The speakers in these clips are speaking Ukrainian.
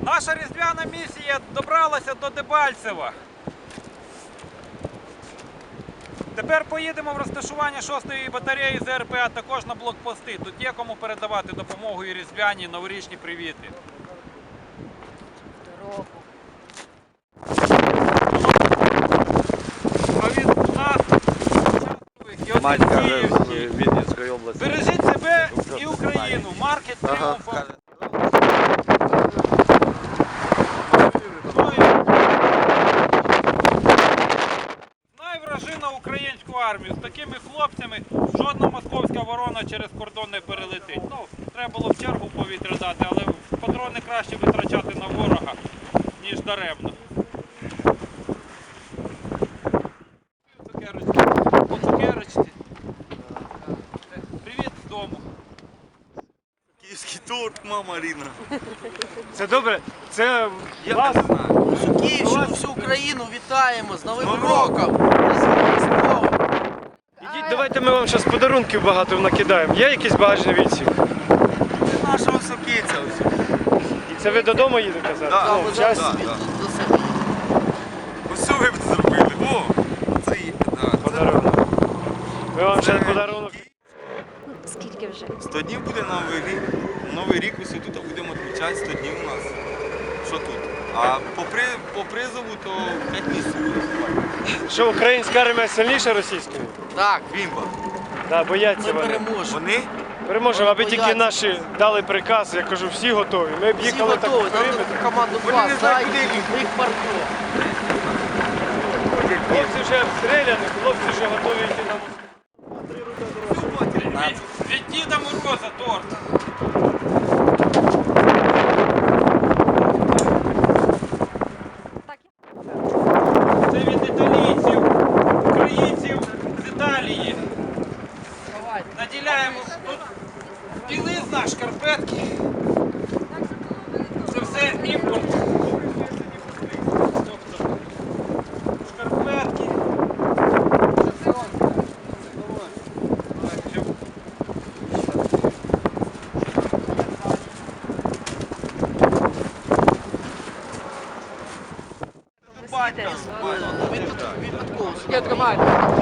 Наша різдвяна місія добралася до Дебальцева. Тепер поїдемо в розташування 6-ї батареї ЗРП, а також на блокпости. Тут є кому передавати допомогу і різдвяні, і новорічні привіти. А від нас, Матька з Вінницької області. бережіть себе і Україну. Маркет Тріумфа. Знай вражина українську армію. З такими хлопцями жодна московська ворона через кордон не перелетить. Ну, треба було в чергу повітря дати, але патрони краще витрачати на ворога, ніж даремно. По цукерочці. Привіт з дому. Київський торт, мама Ріна. Це добре, це Я вас, не знаю. Всю Київщину, всю Україну вітаємо з Новим роком! З Різдвом! ідіть, давайте ми вам зараз подарунків багато накидаємо. Є якийсь багажний відсік? Це нашого сокиця ось. І це ви додому їдете зараз? Да, Ну, Ми в зараз час собі до себе. Ось що ви б зробили? О! Це є. подарунок. Ми вам зараз подарунок. Скільки вже? 100 днів буде Новий рік. Новий рік ось тут будемо відмічати 100 днів у нас. Що тут? А по призову то 5 місяців. Що, українська армія сильніша російської? Так, Бімба. Да, бояться ми вони. переможемо. Вони? Переможемо, аби тільки Бояться. наші дали приказ, я кажу, всі готові. Ми б Всі їхали так готові, в нам периметр. таку команду Вони не клас, знають, дай, куди їхати. їх паркує. Хлопці вже обстріляні, хлопці вже готові йти на Від Діда Мороза торт. Це від італійців, українців з Італії. Наділяємо тут білизна, шкарпетки. Це все імпорт. Тобто шкарпетки. Випадково. Я тримаю.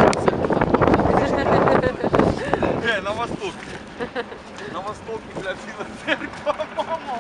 На восток. На восток, бля, біла церква, мамо.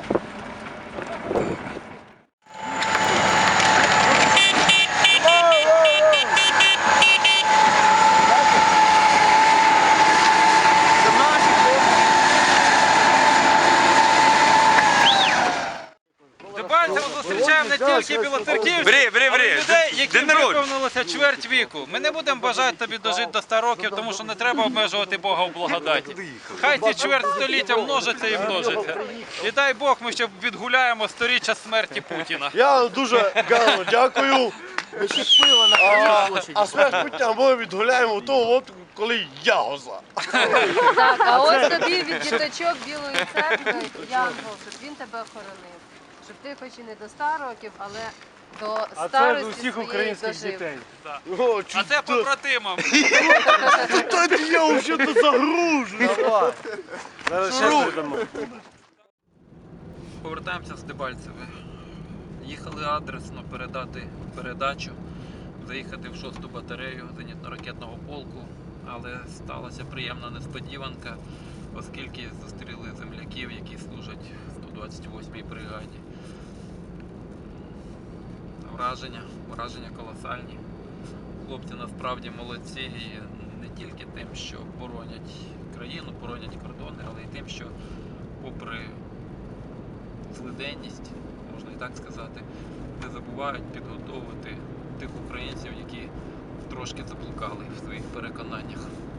Дебальцево зустрічаємо не тільки білоцерківців, Бери. але й людей, День яким народження. виповнилося чверть віку. Ми не будемо бажати тобі дожити до 100 років, тому що не треба обмежувати Бога в благодаті. Хай ці чверть століття множаться і множаться. І дай Бог, ми ще відгуляємо сторіччя смерті Путіна. Я дуже гарно дякую. Ми ще пиво на Кривій площаді. А смерть Путіна ми відгуляємо того, от коли ягоза. Так, а ось тобі від діточок Білої церкви Янгол, щоб він тебе охоронив. Щоб ти хоч і не до 100 років, але до А це старості з усіх своєї українських дожив. дітей. О, А це побратимам. чудо, я вже загружу. Давай. Зараз ще передамо. Повертаємося з Дебальцеве. Їхали адресно передати передачу, заїхати в 6-ту батарею зенітно-ракетного полку, але сталася приємна несподіванка, оскільки зустріли земляків, які служать в 128-й бригаді. Враження колосальні. Хлопці насправді молодці і не тільки тим, що боронять країну, боронять кордони, але й тим, що попри злиденність, можна і так сказати, не забувають підготовити тих українців, які трошки заблукали в своїх переконаннях.